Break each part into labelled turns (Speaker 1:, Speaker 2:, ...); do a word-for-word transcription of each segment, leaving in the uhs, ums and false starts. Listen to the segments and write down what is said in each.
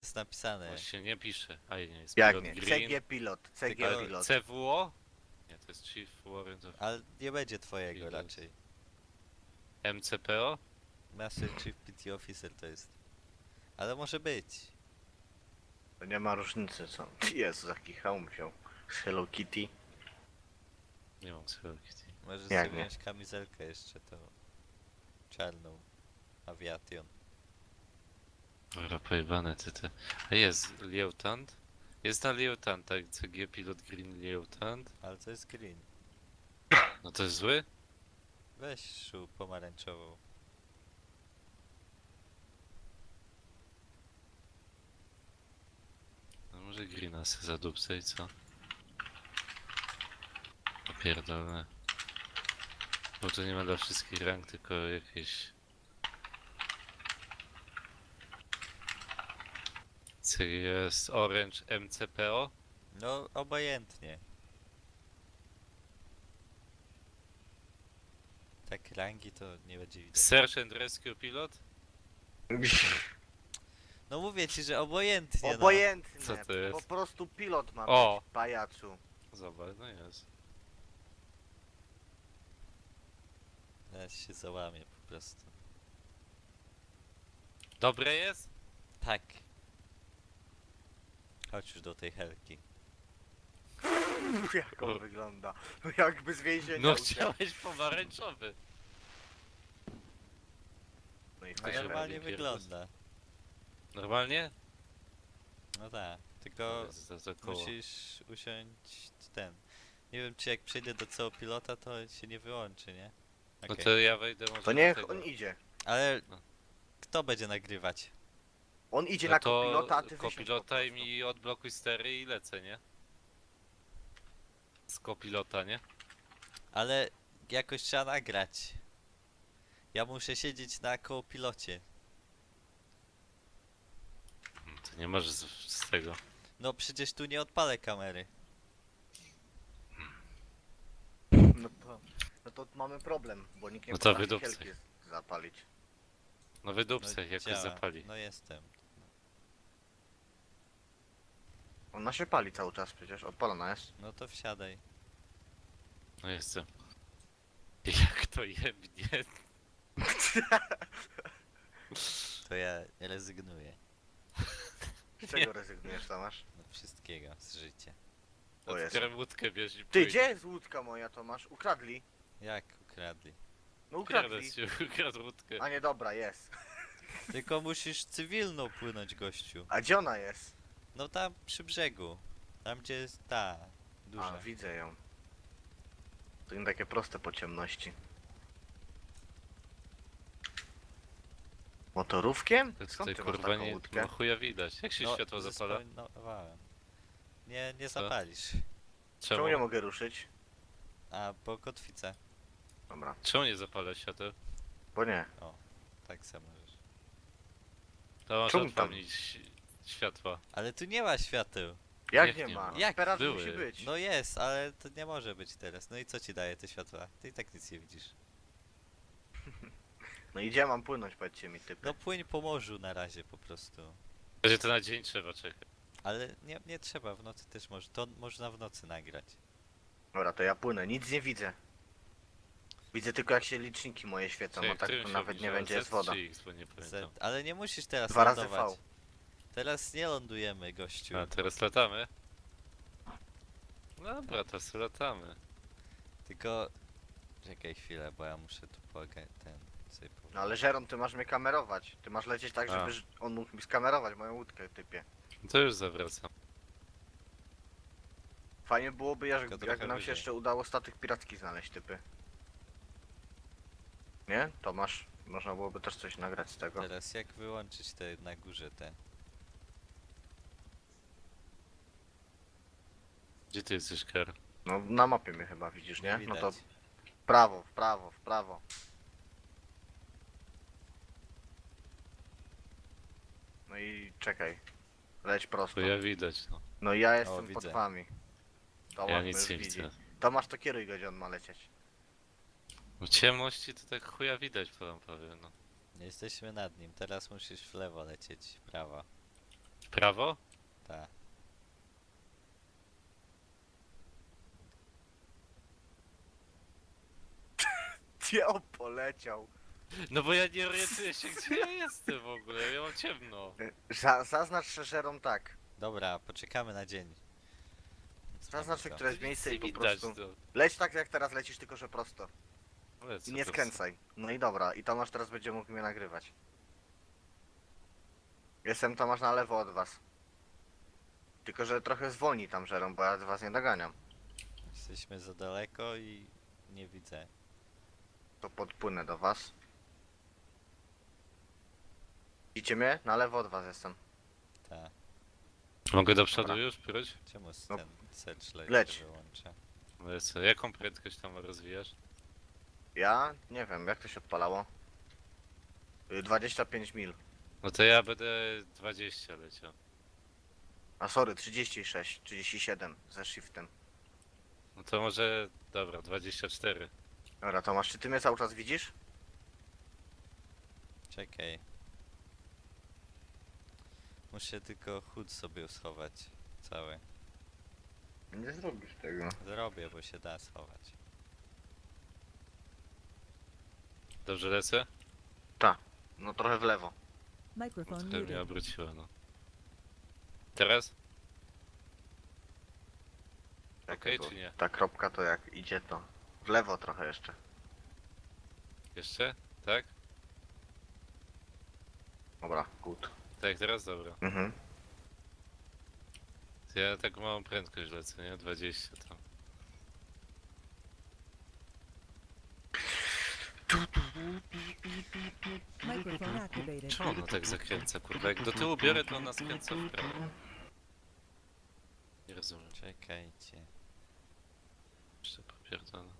Speaker 1: jest napisane.
Speaker 2: Właśnie nie pisze. A nie, jest
Speaker 3: Jak
Speaker 2: pilot
Speaker 3: nie?
Speaker 2: green.
Speaker 3: C G pilot, C G
Speaker 1: Tylko
Speaker 3: pilot.
Speaker 2: C W O? Nie, to jest Chief Warrant of
Speaker 1: Ale nie będzie twojego
Speaker 2: Pilot.
Speaker 1: raczej.
Speaker 2: M C P O?
Speaker 1: Master Chief P T Officer to jest. Ale może być.
Speaker 3: To nie ma różnicy, co? Jezu, jaki hełm wziął. Z Hello Kitty.
Speaker 2: Nie mam Hello Kitty.
Speaker 1: Możesz
Speaker 3: Jak
Speaker 1: sobie
Speaker 3: nie?
Speaker 1: wziąć kamizelkę jeszcze tą czarną. Aviation.
Speaker 2: Dobra, pojebane ty te. A jest Lieutenant? Jest na Lieutenant, tak? C G Pilot Green Lieutenant?
Speaker 1: Ale to jest green.
Speaker 2: No to jest zły?
Speaker 1: Weź szu pomarańczową.
Speaker 2: No może Greena se zadupce i co? Opierdolę. Bo to nie ma dla wszystkich rank, tylko jakieś... Co jest Orange M C P O?
Speaker 1: No obojętnie. Tak rangi to nie będzie widać.
Speaker 2: Search and Rescue Pilot?
Speaker 1: No mówię ci, że obojętnie.
Speaker 3: Obojętne.
Speaker 2: Co to jest?
Speaker 3: Po prostu pilot ma
Speaker 2: O!
Speaker 3: być, pajacu.
Speaker 2: Zobacz, no jest.
Speaker 1: No. Ja się załamię po prostu.
Speaker 2: Dobre jest?
Speaker 1: Tak. Chodź już do tej helki.
Speaker 3: Jak on wygląda. Jakby z więzienia
Speaker 2: No
Speaker 3: uciekł.
Speaker 2: chciałeś pomarańczowy.
Speaker 3: No i
Speaker 1: No
Speaker 2: To się
Speaker 1: normalnie
Speaker 2: robi
Speaker 1: wygląda.
Speaker 2: Normalnie?
Speaker 1: No tak. Tylko
Speaker 2: Za, za koło.
Speaker 1: musisz usiąść ten. Nie wiem czy jak przejdę do całego pilota to się nie wyłączy, nie?
Speaker 2: No
Speaker 1: Okej.
Speaker 2: to ja wejdę może
Speaker 3: To
Speaker 2: do
Speaker 3: niech
Speaker 2: tego.
Speaker 3: on idzie.
Speaker 1: Ale
Speaker 2: No.
Speaker 1: kto będzie nagrywać?
Speaker 3: On idzie
Speaker 2: No
Speaker 3: na
Speaker 2: to
Speaker 3: kopilota, a ty wysiądź po
Speaker 2: kopilota i
Speaker 3: prostu.
Speaker 2: mi odblokuj stery i lecę, nie? Z kopilota, nie?
Speaker 1: Ale jakoś trzeba nagrać. Ja muszę siedzieć na kołopilocie.
Speaker 2: Hmm, To nie możesz z, z tego.
Speaker 1: No przecież tu nie odpalę kamery.
Speaker 3: No to, no to mamy problem, bo nikt nie
Speaker 2: No to
Speaker 3: potrafi
Speaker 2: wydupcaj.
Speaker 3: helki zapalić.
Speaker 2: No wydupce, jakoś
Speaker 1: działa.
Speaker 2: zapali.
Speaker 1: No jestem.
Speaker 3: Ona się pali cały czas przecież, odpalona jest.
Speaker 1: No to wsiadaj.
Speaker 2: No jestem. Jak to jebnie?
Speaker 1: To ja rezygnuję.
Speaker 3: Z czego rezygnujesz, Tomasz?
Speaker 1: No wszystkiego z życia.
Speaker 3: O Jezu.
Speaker 2: Otwieram łódkę, bierz i
Speaker 3: Ty,
Speaker 2: pójdź.
Speaker 3: gdzie jest łódka moja, Tomasz? Ukradli?
Speaker 1: Jak ukradli?
Speaker 3: No
Speaker 2: Ukradł
Speaker 3: ukradli.
Speaker 2: się, ukradł łódkę.
Speaker 3: A nie, dobra, jest.
Speaker 1: Tylko musisz cywilną płynąć, gościu.
Speaker 3: A gdzie ona jest?
Speaker 1: No tam przy brzegu. Tam gdzie jest ta duża.
Speaker 3: A, widzę ją. To nie takie proste po ciemności. Motorówkiem?
Speaker 2: To
Speaker 3: Skąd
Speaker 2: tutaj
Speaker 3: ty masz
Speaker 2: kurwa
Speaker 3: taką
Speaker 2: nie
Speaker 3: łódkę?
Speaker 2: no chuja widać. Jak się
Speaker 1: No,
Speaker 2: światło zapala?
Speaker 1: zespoilowałem. Nie, nie
Speaker 2: Co?
Speaker 1: zapalisz.
Speaker 2: Czemu?
Speaker 3: Czemu nie mogę ruszyć?
Speaker 1: A, bo kotwica.
Speaker 3: Dobra,
Speaker 2: Czemu nie zapala świateł?
Speaker 3: bo nie.
Speaker 1: Tak samo możesz.
Speaker 2: To masz
Speaker 3: Czemu tam?
Speaker 2: odpalić światła.
Speaker 1: Ale tu nie ma świateł.
Speaker 3: Jak
Speaker 2: Jak
Speaker 3: nie
Speaker 2: nie
Speaker 3: ma?
Speaker 2: ma?
Speaker 1: Jak?
Speaker 3: Teraz
Speaker 2: Były.
Speaker 3: musi być.
Speaker 1: No jest, ale to nie może być teraz. No i co ci daje te światła? Ty i tak nic nie widzisz.
Speaker 3: No i gdzie mam płynąć, powiedzcie mi, typy?
Speaker 1: No płyń po morzu na razie po prostu.
Speaker 2: Że to na dzień trzeba czekać.
Speaker 1: Ale nie, nie trzeba, w nocy też może. To można w nocy nagrać.
Speaker 3: Dobra, to ja płynę, nic nie widzę. Widzę tylko jak się liczniki moje świecą,
Speaker 2: Czekaj,
Speaker 3: a tak
Speaker 2: którym
Speaker 3: to
Speaker 2: się
Speaker 3: nawet nie
Speaker 2: obniża?
Speaker 3: będzie
Speaker 2: Z
Speaker 3: jest woda.
Speaker 2: czy X, bo nie
Speaker 1: Z,
Speaker 2: pamiętam.
Speaker 1: ale nie musisz teraz
Speaker 3: Dwa razy
Speaker 1: lądować.
Speaker 3: V.
Speaker 1: Teraz nie lądujemy, gościu.
Speaker 2: A teraz latamy? Dobra, to sobie latamy.
Speaker 1: Tylko... Czekaj chwilę, bo ja muszę tu pogać ten... Sobie po...
Speaker 3: No ale Żeron, ty masz mnie kamerować. Ty masz lecieć tak,
Speaker 2: A.
Speaker 3: żeby ż- on mógł mi skamerować moją łódkę, typie.
Speaker 2: To już zawracam.
Speaker 3: Fajnie byłoby, jak,
Speaker 1: Tylko
Speaker 3: jakby
Speaker 1: trochę
Speaker 3: nam się
Speaker 1: wyżej.
Speaker 3: jeszcze udało statek piracki znaleźć, typy. Nie? Tomasz, można byłoby też coś nagrać z tego.
Speaker 1: Teraz jak wyłączyć te na górze te...
Speaker 2: Gdzie ty jesteś, Kar?
Speaker 3: No na mapie mnie chyba widzisz, nie?
Speaker 1: Nie
Speaker 3: No
Speaker 1: widać.
Speaker 3: to w prawo, w prawo, w prawo. No i czekaj. Leć prosto.
Speaker 2: To ja widać, no.
Speaker 3: No ja jestem
Speaker 1: widzę.
Speaker 3: pod wami. Tomasz
Speaker 2: Ja
Speaker 3: mnie
Speaker 2: nic
Speaker 3: już
Speaker 2: nie
Speaker 3: widzi.
Speaker 2: widzę.
Speaker 3: Tomasz, to kieruj go, gdzie on ma lecieć.
Speaker 2: W ciemności to tak chuja widać, powiem, powiem, no.
Speaker 1: Jesteśmy nad nim, teraz musisz w lewo lecieć, w prawo.
Speaker 2: prawo?
Speaker 1: Tak.
Speaker 3: Gdzie on poleciał?
Speaker 2: No bo ja nie orientuję się, gdzie ja jestem w ogóle, ja mam ciemno.
Speaker 3: Y, Za, zaznacz szerzerą tak.
Speaker 1: Dobra, poczekamy na dzień.
Speaker 3: Zaznacz
Speaker 1: Mamy
Speaker 3: sobie
Speaker 1: to.
Speaker 3: któreś miejsce i po
Speaker 2: Widać
Speaker 3: prostu...
Speaker 2: to.
Speaker 3: Leć tak jak teraz lecisz, tylko że prosto.
Speaker 2: Ale
Speaker 3: I
Speaker 2: co
Speaker 3: nie
Speaker 2: to
Speaker 3: skręcaj. No i dobra, i Tomasz teraz będzie mógł mnie nagrywać. Jestem Tomasz na lewo od was. Tylko że trochę zwolni tam żerą, bo ja was nie doganiam.
Speaker 1: Jesteśmy za daleko i nie widzę.
Speaker 3: To podpłynę do was. Widzicie mnie? Na lewo od was jestem.
Speaker 1: Tak.
Speaker 2: Mogę do przodu
Speaker 3: Dobra.
Speaker 2: już próć?
Speaker 1: Czemu
Speaker 3: No.
Speaker 1: ten searchlight
Speaker 3: Leć.
Speaker 1: się wyłącza?
Speaker 2: Ale co, jaką prędkość tam rozwijasz?
Speaker 3: Ja? Nie wiem, jak to się odpalało? Y, dwadzieścia pięć mil.
Speaker 2: No to ja będę dwadzieścia leciał.
Speaker 3: A sorry, trzydzieści sześć, trzydzieści siedem ze shiftem.
Speaker 2: No to może, dobra, dwadzieścia cztery.
Speaker 3: Dobra, Tomasz, czy ty mnie cały czas widzisz?
Speaker 1: Czekaj. Muszę tylko chód sobie schować. Cały.
Speaker 3: Nie zrobisz tego.
Speaker 1: Zrobię, bo się da schować.
Speaker 2: Dobrze lecę?
Speaker 3: No trochę w lewo.
Speaker 2: No
Speaker 4: Microphone
Speaker 2: trochę mnie
Speaker 4: muted.
Speaker 2: obróciło, no. Teraz? Okej,
Speaker 3: bo
Speaker 2: czy nie?
Speaker 3: Ta kropka to jak idzie to. W lewo trochę jeszcze.
Speaker 2: Jeszcze? Tak?
Speaker 3: Dobra, good.
Speaker 2: Tak, teraz? Dobra.
Speaker 3: Mhm.
Speaker 2: To ja tak małą prędkość lecę, nie? dwadzieścia tam.
Speaker 4: Microphone activated.
Speaker 2: Czemu ono tak zakręca, kurwa? Jak do tyłu biorę, to ona skręca w prawo. Nie rozumiem.
Speaker 1: Czekajcie.
Speaker 2: Jeszcze popierdolę.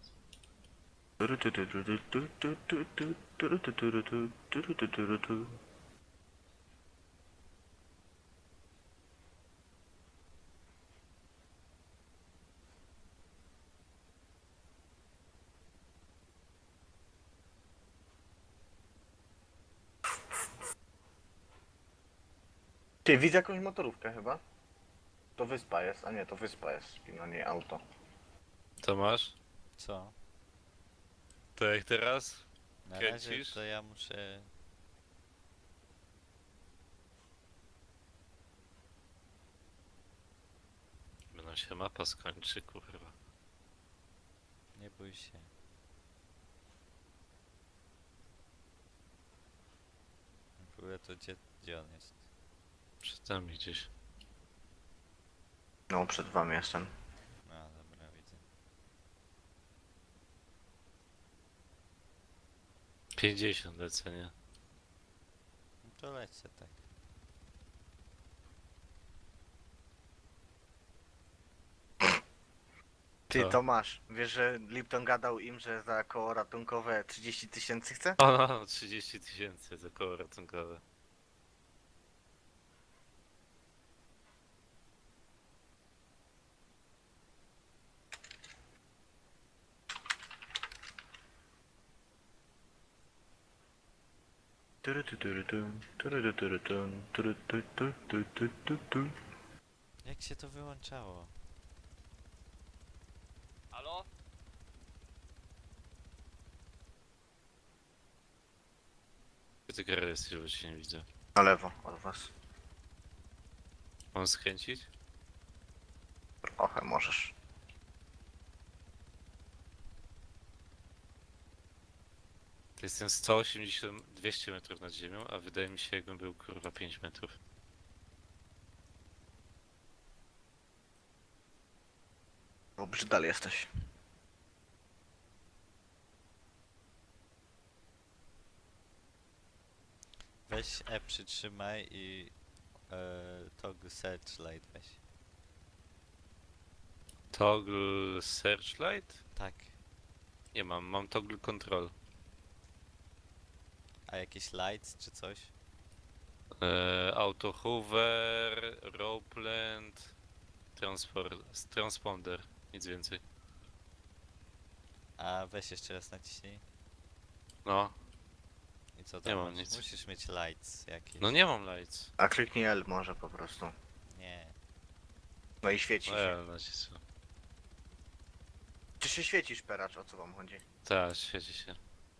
Speaker 3: Ty, widzę jakąś motorówkę chyba? To wyspa jest, a nie, to wyspa jest, a nie auto.
Speaker 2: To masz?
Speaker 1: Co?
Speaker 2: To jak teraz?
Speaker 1: Na
Speaker 2: Kręcisz?
Speaker 1: razie to ja muszę...
Speaker 2: Będą się mapa skończy, kurwa.
Speaker 1: Nie bój się. W ogóle to gdzie, gdzie on jest?
Speaker 2: Przed nami gdzieś.
Speaker 3: No, przed wami jestem.
Speaker 1: No dobra, widzę.
Speaker 2: pięćdziesiąt lecę, nie?
Speaker 1: No to lecę tak.
Speaker 3: Ty,
Speaker 2: Co?
Speaker 3: Tomasz, wiesz, że Lipton gadał im, że za koło ratunkowe trzydzieści tysięcy chce?
Speaker 2: O, no, no, trzydzieści tysięcy za koło ratunkowe.
Speaker 1: Jak się to wyłączało?
Speaker 2: Halo? Gdzie ty Gary jesteś, bo cię nie widzę.
Speaker 3: Na lewo od was.
Speaker 2: Mam skręcić?
Speaker 3: Trochę możesz.
Speaker 2: To jestem sto osiemdziesiąt, dwieście metrów nad ziemią, a wydaje mi się, jakbym był kurwa pięć metrów.
Speaker 3: Bo brzydal jesteś.
Speaker 1: Weź E przytrzymaj i e, toggle searchlight weź.
Speaker 2: Toggle searchlight?
Speaker 1: Tak.
Speaker 2: Nie mam, mam toggle control.
Speaker 1: A jakieś lights czy coś?
Speaker 2: Eee, auto hover, ropeland, transport, transponder, nic więcej.
Speaker 1: A weź jeszcze raz naciśnij.
Speaker 2: No,
Speaker 1: I co
Speaker 2: Nie
Speaker 1: tam
Speaker 2: mam
Speaker 1: masz?
Speaker 2: nic.
Speaker 1: Musisz mieć lights jakieś.
Speaker 2: No nie mam lights.
Speaker 3: A kliknij L może po prostu.
Speaker 1: Nie.
Speaker 3: No i świeci
Speaker 2: No
Speaker 3: się.
Speaker 2: ja nacisnę.
Speaker 3: Czy się świecisz, peracz? O co wam chodzi?
Speaker 2: Tak, świeci się.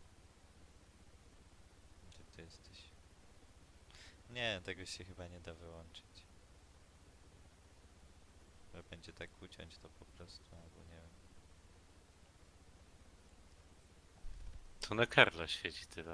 Speaker 1: Gdzie ty jesteś? Nie, tego się chyba nie da wyłączyć. Że będzie tak uciąć to po prostu, albo nie wiem.
Speaker 2: To na Karla świeci tyle.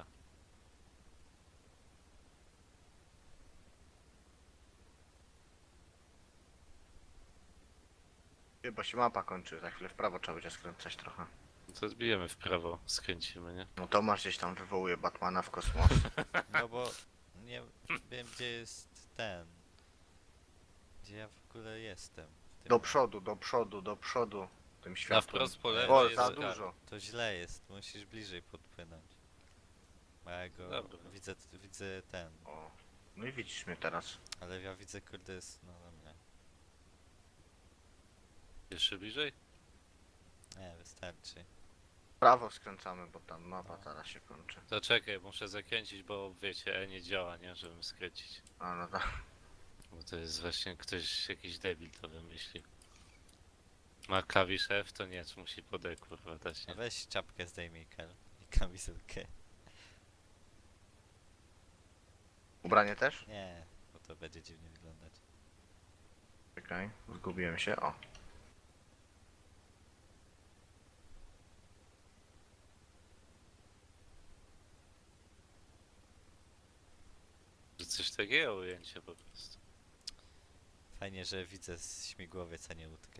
Speaker 3: Chyba się mapa kończy, za chwilę w prawo trzeba będzie skręcać trochę.
Speaker 2: No to zbijemy w prawo, skręcimy, nie?
Speaker 3: No Tomasz gdzieś tam wywołuje Batmana w kosmos.
Speaker 1: No bo nie wiem gdzie jest ten. Gdzie ja w ogóle jestem. w tym
Speaker 3: Do
Speaker 1: momencie.
Speaker 3: przodu, do przodu, do przodu. Tym
Speaker 2: Na
Speaker 3: światłem.
Speaker 2: wprost po
Speaker 1: O,
Speaker 2: lewo
Speaker 3: O,
Speaker 2: jest
Speaker 3: za
Speaker 2: Karl.
Speaker 3: dużo.
Speaker 1: To źle jest, musisz bliżej podpłynąć. Bo ja go
Speaker 2: Dobra.
Speaker 1: widzę, widzę ten.
Speaker 3: O. No i widzisz mnie teraz.
Speaker 1: Ale ja widzę kurde jest, no dobra.
Speaker 2: Jeszcze bliżej?
Speaker 1: Nie, wystarczy.
Speaker 3: W prawo skręcamy, bo tam mapa
Speaker 1: No.
Speaker 3: zaraz się kończy.
Speaker 2: To czekaj, muszę zakręcić, bo wiecie, E nie działa, nie? Żebym skręcić.
Speaker 3: A no tak.
Speaker 2: Bo to jest właśnie ktoś, jakiś debil to wymyślił. Ma klawisz F, to nie, musi pod E kurwa dać,
Speaker 1: A
Speaker 2: nie?
Speaker 1: weź czapkę zdejmij, Kel. I kamizelkę.
Speaker 3: Ubranie też?
Speaker 1: Nie, bo to będzie dziwnie wyglądać.
Speaker 3: Czekaj, zgubiłem się. O.
Speaker 2: Że coś takiego ujęcie po prostu.
Speaker 1: Fajnie, że widzę z śmigłowiec, a nie łódkę.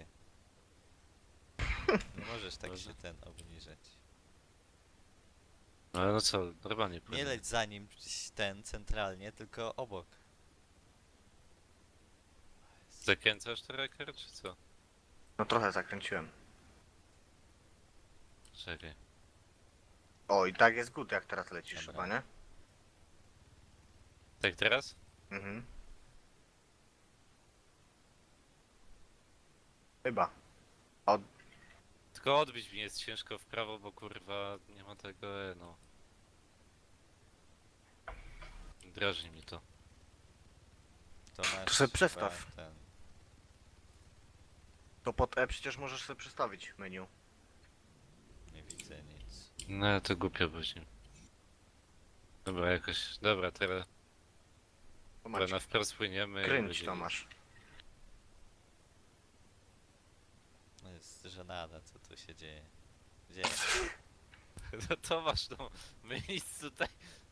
Speaker 1: Nie możesz tak
Speaker 2: Może?
Speaker 1: się ten obniżać.
Speaker 2: No ale no co, normalnie płynie.
Speaker 1: Nie leć za nim ten centralnie, tylko obok.
Speaker 2: Zakręcasz to rekord, czy co?
Speaker 3: No trochę zakręciłem.
Speaker 2: Czekaj.
Speaker 3: O, i tak jest good, jak teraz lecisz
Speaker 1: Dobra.
Speaker 3: chyba, nie?
Speaker 2: Tak teraz?
Speaker 3: Mhm. Chyba. Od...
Speaker 2: Tylko odbić mi jest ciężko w prawo, bo kurwa nie ma tego E, no. Drażni mi to.
Speaker 1: To masz
Speaker 3: To sobie
Speaker 1: chyba
Speaker 3: przestaw.
Speaker 1: Ten.
Speaker 3: To pod E przecież możesz sobie przestawić menu.
Speaker 1: Nie widzę nic.
Speaker 2: No to głupio później. Dobra, jakoś. Dobra, teraz
Speaker 3: To
Speaker 2: dobra,
Speaker 3: macie.
Speaker 2: na wprost płyniemy. i
Speaker 3: Kręć
Speaker 2: będzie-
Speaker 3: Tomasz.
Speaker 1: No jest żenada, co tu się dzieje. Gdzie?
Speaker 2: No Tomasz, no my nic tutaj.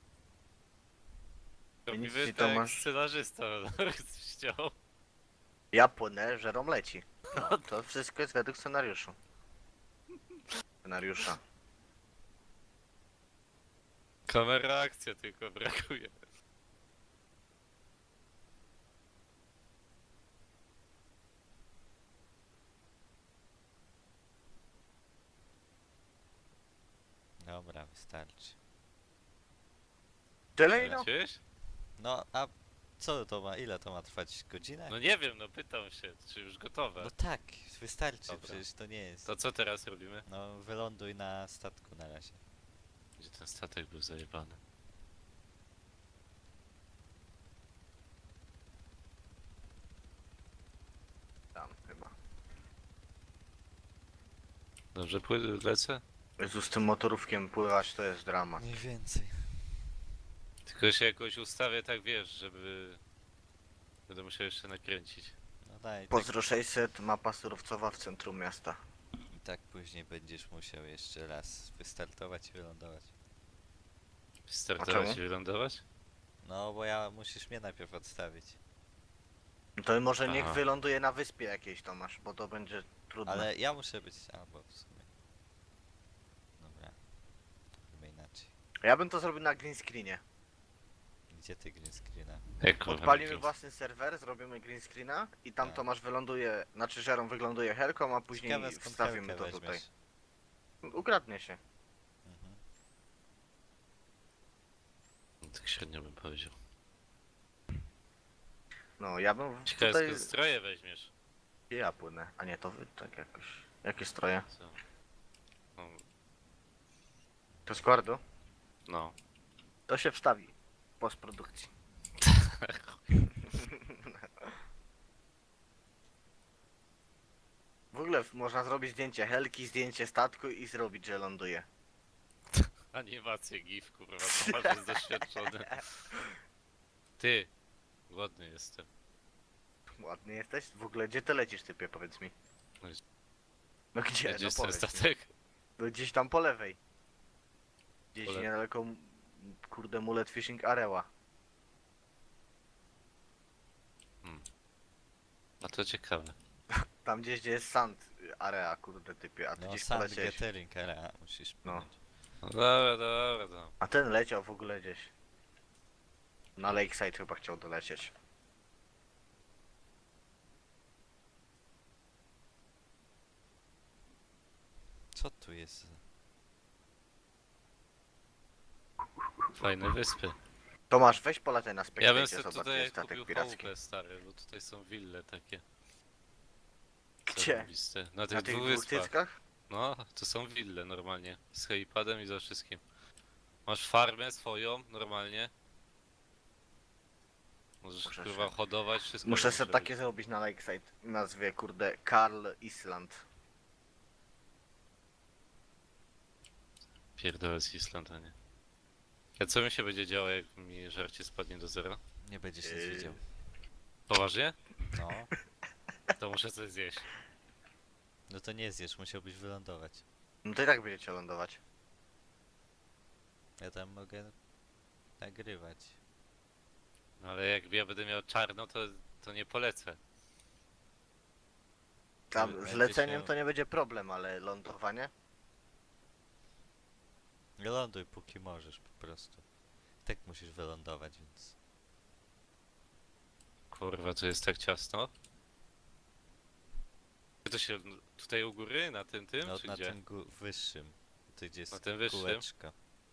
Speaker 3: nic
Speaker 2: Robimy
Speaker 3: ci,
Speaker 2: tak jak
Speaker 3: Tomasz.
Speaker 2: scenarzysta chciał.
Speaker 3: Ja płynę, że Rom leci. No, to wszystko jest według scenariuszu. Scenariusza.
Speaker 2: Kamera akcja tylko brakuje.
Speaker 1: Dobra, wystarczy.
Speaker 3: Tyle no?
Speaker 2: Leciłeś?
Speaker 1: No, a co to ma? Ile to ma trwać? Godzinę?
Speaker 2: No nie wiem, no pytam się, czy już gotowe.
Speaker 1: No tak, wystarczy,
Speaker 2: Dobra.
Speaker 1: przecież to nie jest.
Speaker 2: To co teraz robimy?
Speaker 1: No, wyląduj na statku na razie.
Speaker 2: Gdzie ten statek był zajebany?
Speaker 3: Tam chyba.
Speaker 2: Dobrze pły- lecę?
Speaker 3: Jezu, z tym motorówkiem pływać to jest dramat.
Speaker 1: Mniej więcej.
Speaker 2: Tylko się jakoś ustawię tak wiesz, żeby... Będę musiał jeszcze nakręcić.
Speaker 1: No daj, tak,
Speaker 3: Pozdro sześćset, mapa surowcowa w centrum miasta.
Speaker 1: i tak później będziesz musiał jeszcze raz wystartować i wylądować.
Speaker 2: Startować
Speaker 3: czemu?
Speaker 2: i wylądować?
Speaker 1: No, bo ja musisz mnie najpierw odstawić.
Speaker 3: No to może niech
Speaker 2: Aha.
Speaker 3: wyląduje na wyspie jakiejś Tomasz, bo to będzie trudne.
Speaker 1: Ale ja muszę być... albo w sumie. Dobra. Chyba inaczej.
Speaker 3: Ja bym to zrobił na green screenie.
Speaker 1: Gdzie ty green screena?
Speaker 2: Jak kurwa
Speaker 3: Odpalimy
Speaker 2: nakręcić?
Speaker 3: własny serwer, zrobimy green screena i tam
Speaker 1: Tak.
Speaker 3: Tomasz wyląduje, znaczy Żerom wygląduje helką, a później
Speaker 1: Ciekawe, skąd
Speaker 3: wstawimy
Speaker 1: helkę
Speaker 3: to tutaj.
Speaker 1: weźmiesz.
Speaker 3: Ukradnie się.
Speaker 1: Mhm.
Speaker 2: No, tak średnio bym powiedział.
Speaker 3: No, ja bym
Speaker 2: Ciekawe
Speaker 3: tutaj...
Speaker 2: skąd stroje weźmiesz.
Speaker 3: Ja płynę, a nie to wy, tak jakoś. Jakie stroje?
Speaker 2: Co? No,
Speaker 3: To z Guardu?
Speaker 2: no.
Speaker 3: To się wstawi. W postprodukcji. W ogóle w- można zrobić zdjęcie helki, zdjęcie statku i zrobić, że ląduje.
Speaker 2: Animację gif, kurwa, Tomasz jest doświadczony. Ty, głodny jestem.
Speaker 3: Ładny jesteś? W ogóle gdzie ty lecisz, typie, powiedz mi?
Speaker 2: No jest-
Speaker 3: No gdzie?
Speaker 2: Gdzie
Speaker 3: No
Speaker 2: jest ten
Speaker 3: powiedz mi.
Speaker 2: statek?
Speaker 3: No gdzieś tam po lewej. Gdzieś
Speaker 2: Po lewej.
Speaker 3: niedaleko, m- kurde, Mullet Fishing Areła.
Speaker 2: No to ciekawe.
Speaker 3: Tam gdzieś, gdzie jest Sand Area, kurde, typie, a ty
Speaker 1: No
Speaker 3: gdzieś
Speaker 1: Sand
Speaker 3: poleciałeś.
Speaker 1: Gathering Area musisz
Speaker 3: No.
Speaker 1: płynąć.
Speaker 2: No dobra, dobra, dobra.
Speaker 3: A ten leciał w ogóle gdzieś. Na Lakeside chyba chciał dolecieć.
Speaker 1: Co tu jest?
Speaker 2: Fajne wyspy.
Speaker 3: Tomasz, weź polataj na
Speaker 2: Ja bym
Speaker 3: Spectacie,
Speaker 2: sobie
Speaker 3: zobacz,
Speaker 2: tutaj
Speaker 3: jest statek
Speaker 2: kupił
Speaker 3: piracki.
Speaker 2: chałupę, stary, bo tutaj są wille takie.
Speaker 3: Gdzie?
Speaker 2: zarąbiste. Na tych
Speaker 3: Na tych
Speaker 2: dwóch
Speaker 3: dwóch
Speaker 2: wyspach.
Speaker 3: cyckach?
Speaker 2: No, to są wille normalnie. Z helipadem i ze wszystkim. Masz farmę swoją, normalnie. Możesz
Speaker 3: Muszę
Speaker 2: kurwa
Speaker 3: się-
Speaker 2: hodować, wszystko.
Speaker 3: Muszę
Speaker 2: możesz
Speaker 3: sobie
Speaker 2: robić.
Speaker 3: takie zrobić na Lakeside. Nazwie, kurde, Karl Island.
Speaker 2: Pierdolę z Island'a, nie. A co mi się będzie działo, jak mi żarcie spadnie do zera?
Speaker 1: Nie będziesz nic
Speaker 3: Yy.
Speaker 1: widział.
Speaker 2: Poważnie?
Speaker 1: No.
Speaker 2: To muszę coś zjeść.
Speaker 1: No to nie zjesz, musiałbyś wylądować.
Speaker 3: No to i tak będziecie lądować.
Speaker 1: Ja tam mogę nagrywać.
Speaker 2: No ale jak ja będę miał czarno, to, to nie polecę.
Speaker 3: Tam
Speaker 1: Będziesz
Speaker 3: z leceniem
Speaker 1: miał-
Speaker 3: to nie będzie problem, ale lądowanie?
Speaker 1: Ląduj póki możesz po prostu. Tak musisz wylądować, więc...
Speaker 2: Kurwa, to jest tak ciasno. To się tutaj u góry, na tym tym,
Speaker 1: No
Speaker 2: czy
Speaker 1: na
Speaker 2: gdzie?
Speaker 1: tym gó- wyższym. Tu gdzie jest
Speaker 2: Na tym wyższym?
Speaker 1: kółeczko.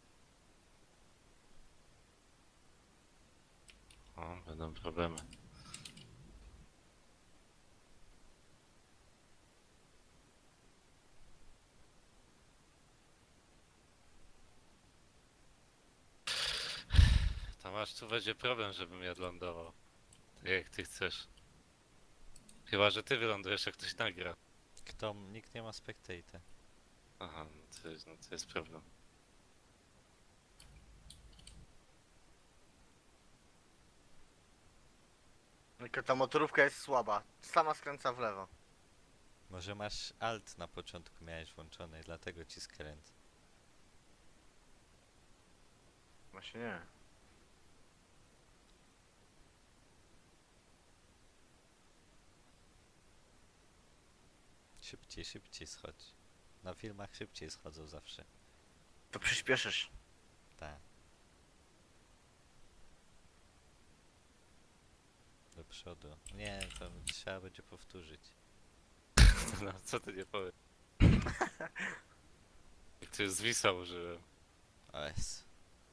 Speaker 2: O, będą problemy. Tam aż tu będzie problem, żebym ja lądował. Tak jak ty chcesz. Chyba, że ty wylądujesz, jak ktoś nagra.
Speaker 1: Kto? Nikt nie ma spectate.
Speaker 2: Aha, no to, jest- no to jest problem.
Speaker 3: Tylko ta motorówka jest słaba. Sama skręca w lewo.
Speaker 1: Może masz alt na początku miałeś włączony i dlatego ci skręt.
Speaker 3: Właśnie nie.
Speaker 1: Szybciej, szybciej schodź. Na filmach szybciej schodzą zawsze.
Speaker 3: To przyspieszysz.
Speaker 1: Tak. Do przodu. Nie, to trzeba będzie powtórzyć.
Speaker 2: No, co ty nie powiesz? Jak ty z Wisa użyłem.
Speaker 1: O jest.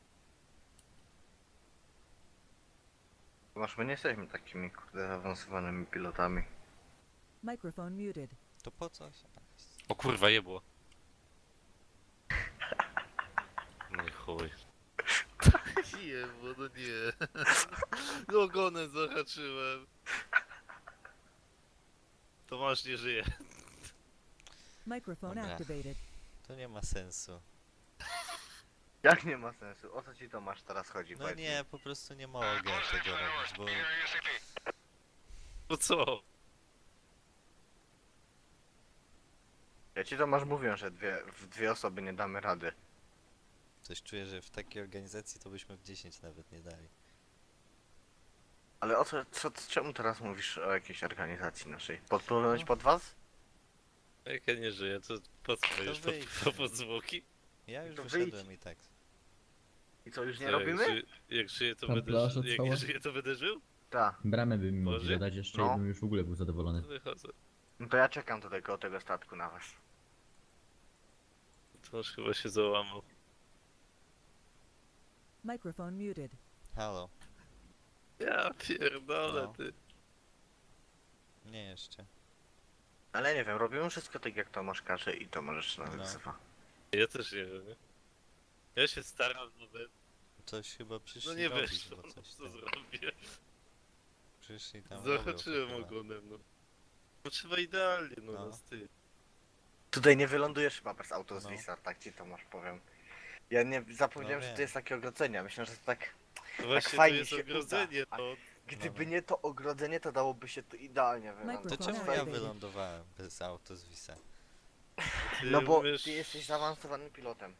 Speaker 3: Masz, my nie jesteśmy takimi, kurde, zaawansowanymi pilotami.
Speaker 4: Microphone muted.
Speaker 1: To po co?
Speaker 2: O kurwa, jebło. No i chuj. Jebło, no nie. No ogonem zahaczyłem. Tomasz nie żyje.
Speaker 4: Microphone
Speaker 1: Dobra.
Speaker 4: activated.
Speaker 1: To nie ma sensu.
Speaker 3: Jak nie ma sensu? O co ci to masz teraz chodzi?
Speaker 1: No
Speaker 3: powiedz mi?
Speaker 1: nie, po prostu nie mogę tego robić, bo...
Speaker 2: No co?
Speaker 3: Ja ci to masz mówią, że dwie, w dwie osoby nie damy rady.
Speaker 1: Coś czuję, że w takiej organizacji to byśmy w dziesięć nawet nie dali.
Speaker 3: Ale o co, co, czemu teraz mówisz o jakiejś organizacji naszej? Podpłynąć
Speaker 1: No.
Speaker 3: pod was?
Speaker 2: Jak ja nie żyję, to po co będziesz po,
Speaker 1: wyjdź.
Speaker 2: po podzwłoki?
Speaker 1: Ja już
Speaker 3: To
Speaker 1: wyszedłem i tak.
Speaker 3: I co, już nie
Speaker 2: Co,
Speaker 3: robimy?
Speaker 2: Jak, ży, jak żyję, to
Speaker 5: Tam
Speaker 2: będę
Speaker 5: plaża
Speaker 2: ży, Jak
Speaker 5: cała?
Speaker 2: nie żyję, to będę żył?
Speaker 3: Tak.
Speaker 5: Bramę by mi
Speaker 2: Boże?
Speaker 5: mogli dodać jeszcze
Speaker 3: No.
Speaker 5: i bym już w ogóle był zadowolony.
Speaker 2: Wychodzę.
Speaker 3: No to ja czekam tutaj koło tego statku na was.
Speaker 2: Tomasz chyba się załamał.
Speaker 4: Microphone muted.
Speaker 1: Halo?
Speaker 2: Ja pierdolę,
Speaker 1: No.
Speaker 2: ty.
Speaker 1: Nie jeszcze.
Speaker 3: Ale nie wiem, robimy wszystko tak jak Tomasz każe i to możesz nawet
Speaker 1: No.
Speaker 3: wzywa.
Speaker 2: Ja też nie wiem, nie? Ja się staram nawet.
Speaker 1: coś chyba przyszli
Speaker 2: No nie
Speaker 1: robić,
Speaker 2: wiesz,
Speaker 1: bo
Speaker 2: no,
Speaker 1: coś
Speaker 2: co
Speaker 1: tam.
Speaker 2: zrobię.
Speaker 1: Przyszli tam robią
Speaker 2: Zahaczyłem
Speaker 1: to chyba.
Speaker 2: ogonem, no. No trzeba idealnie, no,
Speaker 1: No.
Speaker 2: no styl.
Speaker 3: Tutaj nie wylądujesz chyba bez auto z
Speaker 1: No.
Speaker 3: Wisa, tak ci to masz powiem. Ja nie zapomniałem,
Speaker 1: No
Speaker 3: że to
Speaker 1: wiem.
Speaker 3: jest takie ogrodzenie. Myślę, że to tak.
Speaker 2: No właśnie, tu
Speaker 3: fajnie
Speaker 2: jest
Speaker 3: się
Speaker 2: ogrodzenie,
Speaker 3: uda.
Speaker 2: no.
Speaker 3: Gdyby
Speaker 1: no.
Speaker 3: nie to ogrodzenie, to dałoby się to idealnie
Speaker 1: To
Speaker 3: wylądować.
Speaker 4: Mikrofon
Speaker 1: czemu
Speaker 4: Fajnie.
Speaker 1: ja wylądowałem bez auto z Wisa?
Speaker 2: Ty
Speaker 3: No bo
Speaker 2: umiesz...
Speaker 3: ty jesteś zaawansowanym pilotem.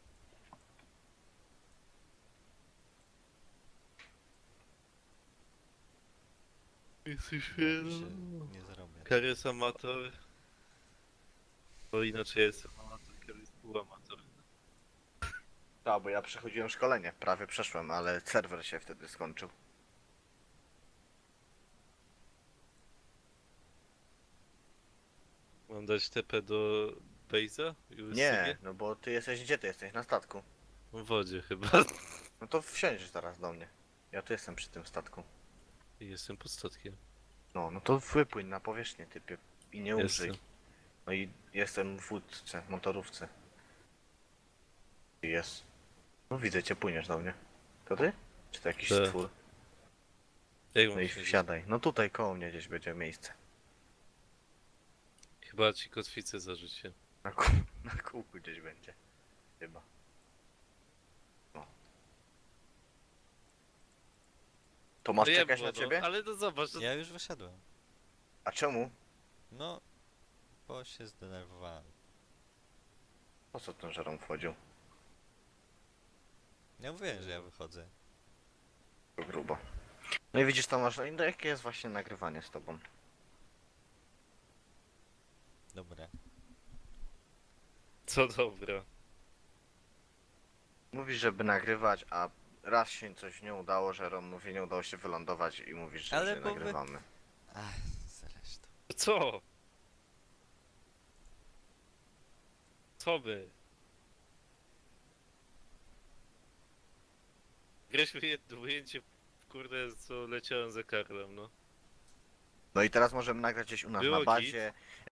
Speaker 2: Jesteś
Speaker 1: Ja
Speaker 2: wielu.
Speaker 1: się nie zrobię.
Speaker 2: Karys amator. Bo inaczej ja jestem amator, Karys półamator.
Speaker 3: Tak, bo ja przechodziłem szkolenie, prawie przeszłem, ale serwer się wtedy skończył.
Speaker 2: Mam dać T P do Base'a?
Speaker 3: Nie, no bo ty jesteś, gdzie ty jesteś? Na statku.
Speaker 2: W wodzie chyba.
Speaker 3: No to wsiądziesz zaraz do mnie. Ja tu jestem przy tym statku.
Speaker 2: Jestem pod statkiem.
Speaker 3: No, no to wypłyń na powierzchnię, typie. I nie umrzyj.
Speaker 2: Jestem.
Speaker 3: No i jestem w wódce, w motorówce. I jest. No widzę cię, płyniesz do mnie. To ty? Czy to jakiś
Speaker 2: Tak.
Speaker 3: stwór?
Speaker 2: Jak
Speaker 3: No
Speaker 2: mam
Speaker 3: i
Speaker 2: siedzieć?
Speaker 3: wsiadaj. No tutaj koło mnie gdzieś będzie miejsce.
Speaker 2: Chyba ci kotwicę zarzucię.
Speaker 3: Na, kół, na kółku gdzieś będzie. Chyba. No. To masz
Speaker 2: No
Speaker 3: czekać
Speaker 2: jebło,
Speaker 3: na ciebie?
Speaker 2: No, ale no zobacz, no,
Speaker 1: Ja już wyszedłem.
Speaker 3: A czemu?
Speaker 1: No, bo się zdenerwowałem.
Speaker 3: Po co ten żerom wchodził?
Speaker 1: Ja mówiłem, że ja wychodzę.
Speaker 3: To grubo. No i widzisz, tam masz. No jakie jest właśnie nagrywanie z tobą?
Speaker 1: Dobra.
Speaker 2: co dobra.
Speaker 3: Mówisz, żeby nagrywać, a raz się coś nie udało, że Rom mówi, nie udało się wylądować i mówisz, że,
Speaker 1: Ale
Speaker 3: że
Speaker 1: bo wy-
Speaker 3: nagrywamy.
Speaker 1: Ach, zresztą.
Speaker 2: Co? Co by? Graliśmy jedno ujęcie, kurde, co leciałem za Karlem, no.
Speaker 3: No i teraz możemy nagrać gdzieś u nas
Speaker 2: Było
Speaker 3: na bazie,